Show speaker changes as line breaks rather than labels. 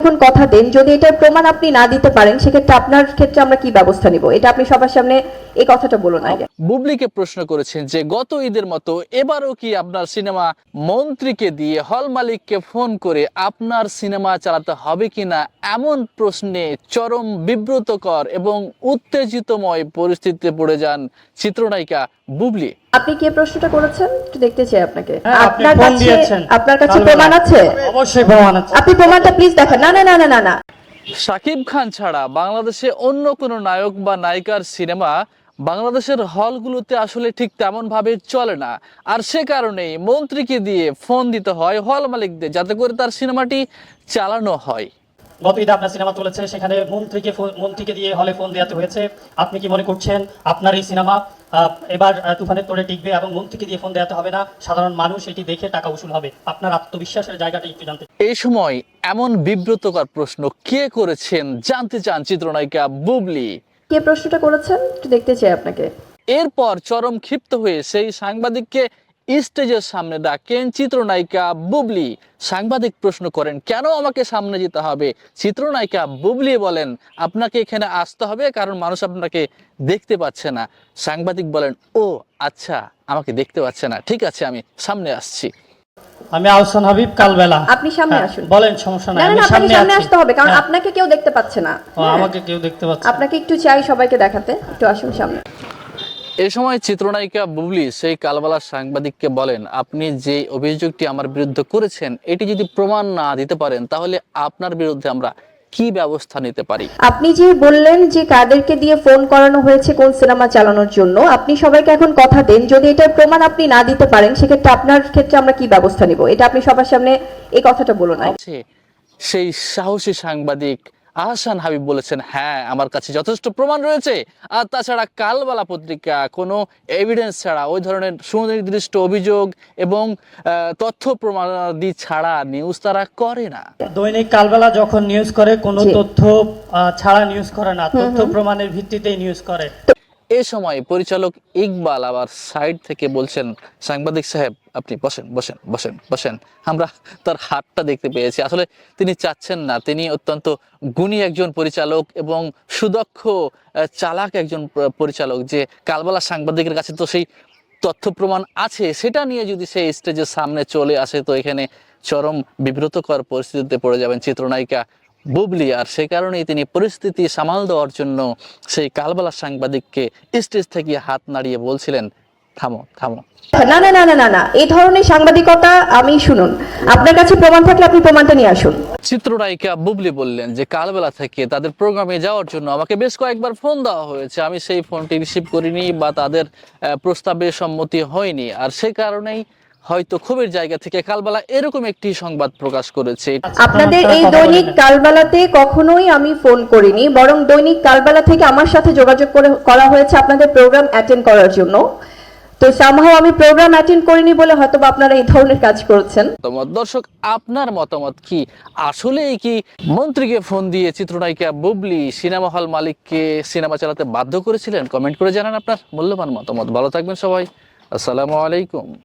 এখন কথা দেন, যদি এটার প্রমাণ আপনি না দিতে পারেন সেক্ষেত্রে আপনার ক্ষেত্রে আমরা কি ব্যবস্থা নিব, এটা আপনি সবার সামনে এই কথাটা বলুন আগে।
বুবলিকে প্রশ্ন করেছেন যে গত ঈদের মতো এবারও কি আপনার সিনেমা মন্ত্রীকে দিয়ে হল মালিককে ফোন করে আপনার সিনেমা চালাতে হবে কিনা, এমন প্রশ্নে চরম বিব্রতকর এবং উত্তেজিতময় পরিস্থিতিতে পড়ে যান চিত্রনায়িকা বুবলি।
আপনি কি প্রশ্নটা করেছেন একটু দেখতে চাই আপনাকে।
আপনি ফোন দিয়েছেন।
আপনার কাছে প্রমাণ আছে?
অবশ্যই প্রমাণ আছে।
আপনি প্রমাণটা প্লিজ দেখান। না না না না না না
শাকিব খান ছাড়া বাংলাদেশে অন্য কোনো নায়ক বা নায়িকার সিনেমা বাংলাদেশের হলগুলোতে আসলে ঠিক তেমন ভাবে চলে না, আর সে কারণেই মন্ত্রীকে দিয়ে ফোন দিতে হয় হল মালিকদের যাতে করে তার সিনেমাটি চালানো হয়।
গত ঈদে আপনার সিনেমা চলেছে, সেখানে মন্ত্রীকে দিয়ে হলে ফোন দেওয়াতে হয়েছে। আপনি কি মনে করছেন আপনার এই সিনেমা এবার তুফানের তোড়ে টিকবে এবং মন্ত্রীকে দিয়ে ফোন দেওয়াতে হবে না, সাধারণ মানুষ এটি দেখে টাকা উসুল হবে? আপনার আত্মবিশ্বাসের জায়গাটা একটু জানতে।
এই সময় এমন বিব্রতকর প্রশ্ন কে করেছেন জানতে চান চিত্রনায়িকা বুবলি।
কে প্রশ্নটা করেছেন একটু দেখতে চাই আপনাকে।
এরপর চরম ক্ষিপ্ত হয়ে সেই সাংবাদিককে স্টেজের সামনে ডাকেন চিত্রনায়িকা বুবলি। সাংবাদিক প্রশ্ন করেন কেন আমাকে সামনে যেতে হবে? চিত্রনায়িকা বুবলি বলেন আপনাকে এখানে আসতে হবে কারণ মানুষ আপনাকে দেখতে পাচ্ছে না। সাংবাদিক বলেন ও আচ্ছা, আমাকে দেখতে পাচ্ছে না, ঠিক আছে আমি সামনে আসছি।
আমি আহসান হাবিব কালবেলা।
আপনি সামনে আসুন।
বলেন, সমস্যা নাই,
না
আমি
না
সামনে
সামনে
আছি।
আসতে হবে কারণ আপনাকে কেউ দেখতে পাচ্ছে না।
আমাকে কেউ দেখতে পাচ্ছে।
আপনাকে একটু চাই সবাইকে দেখাতে, একটু আসুন সামনে।
এ সময় চিত্রনায়িকা বুবলি সেই কালবালার সাংবাদিককে বলেন আপনি যে অভিযোগটি আমার বিরুদ্ধে করেছেন এটি যদি প্রমাণ না দিতে পারেন তাহলে আপনার বিরুদ্ধে আমরা কি ব্যবস্থা নিতে পারি।
আপনি যে বললেন যে কাদেরকে দিয়ে ফোন করানো হয়েছে কোন সিনেমা চালানোর জন্য, আপনি সবাইকে এখন কথা দেন, যদি এটার প্রমাণ আপনি না দিতে পারেন সেক্ষেত্রে আপনার ক্ষেত্রে আমরা কি ব্যবস্থা নিব, এটা আপনি সবার সামনে এই কথাটা বলুন আগে।
সেই সাহসী সাংবাদিক আহসান হাবিব বলেছেন হ্যাঁ আমার কাছে যথেষ্ট প্রমাণ রয়েছে, আর তাছাড়া কালবালা পত্রিকা কোনো এভিডেন্স ছাড়া ওই ধরনের সুনির্দিষ্ট অভিযোগ এবং তথ্য প্রমাণাদি ছাড়া নিউজ তারা করে না।
দৈনিক কালবেলা যখন নিউজ করে কোনো তথ্য ছাড়া নিউজ করে না, তথ্য প্রমাণের ভিত্তিতেই নিউজ করে।
এ সময় পরিচালক ইকবাল আবার সাইড থেকে বলছেন সাংবাদিক সাহেব আপনি বসেন বসেন বসেন বসেন। আমরা তার হাতটা দেখতে পেয়েছি, আসলে তিনি চাচ্ছেন না, তিনি অত্যন্ত গুণী একজন পরিচালক এবং সুদক্ষ চালাক একজন পরিচালক, যে কালবালা সাংবাদিকের কাছে তো সেই তথ্য প্রমাণ আছে, সেটা নিয়ে যদি সেই স্টেজের সামনে চলে আসে তো এখানে চরম বিব্রতকর পরিস্থিতিতে পড়ে যাবেন চিত্রনায়িকা বুবলি। আর সে কারণেই তিনি পরিস্থিতি সামাল দেওয়ার জন্য সেই কালবালা সাংবাদিককে স্টেজ থেকে হাত নাড়িয়ে বলছিলেন থামো থামো।
না না না না না না এই ধরনের সাংবাদিকতা আমি শুনুন, আপনার কাছে প্রমাণ থাকলে আপনি প্রমাণটা নিয়ে আসুন।
চিত্রনায়িকা বুবলি বললেন যে কালবেলা থেকে তাদের প্রোগ্রামে যাওয়ার জন্য আমাকে বেশ কয়েকবার ফোন দেওয়া হয়েছে, আমি সেই ফোনটি রিসিভ করিনি বা তাদের প্রস্তাবে সম্মতি হয়নি, আর সে কারণেই হয়তো ক্ষোভের জায়গা থেকে কালবেলা এরকম একটি সংবাদ প্রকাশ করেছে।
আপনাদের এই দৈনিক কালবেলাতে কখনোই আমি ফোন করিনি, বরং দৈনিক কালবেলা থেকে আমার সাথে যোগাযোগ করা হয়েছে আপনাদের প্রোগ্রাম অ্যাটেন্ড করার জন্য। তো সামহাও আমি প্রোগ্রাম অ্যাটেন্ড করিনি বলে হয়তো আপনারা এই ধরনের কাজ করছেন।
দর্শক আপনার মতামত কি? আসলেই কি মন্ত্রীকে ফোন দিয়ে চিত্রনায়িকা বুবলি সিনেমা হল মালিককে সিনেমা চালাতে বাধ্য করেছিলেন? কমেন্ট করে জানান আপনার মূল্যবান মতামত। ভালো থাকবেন সবাই, আসসালামু আলাইকুম।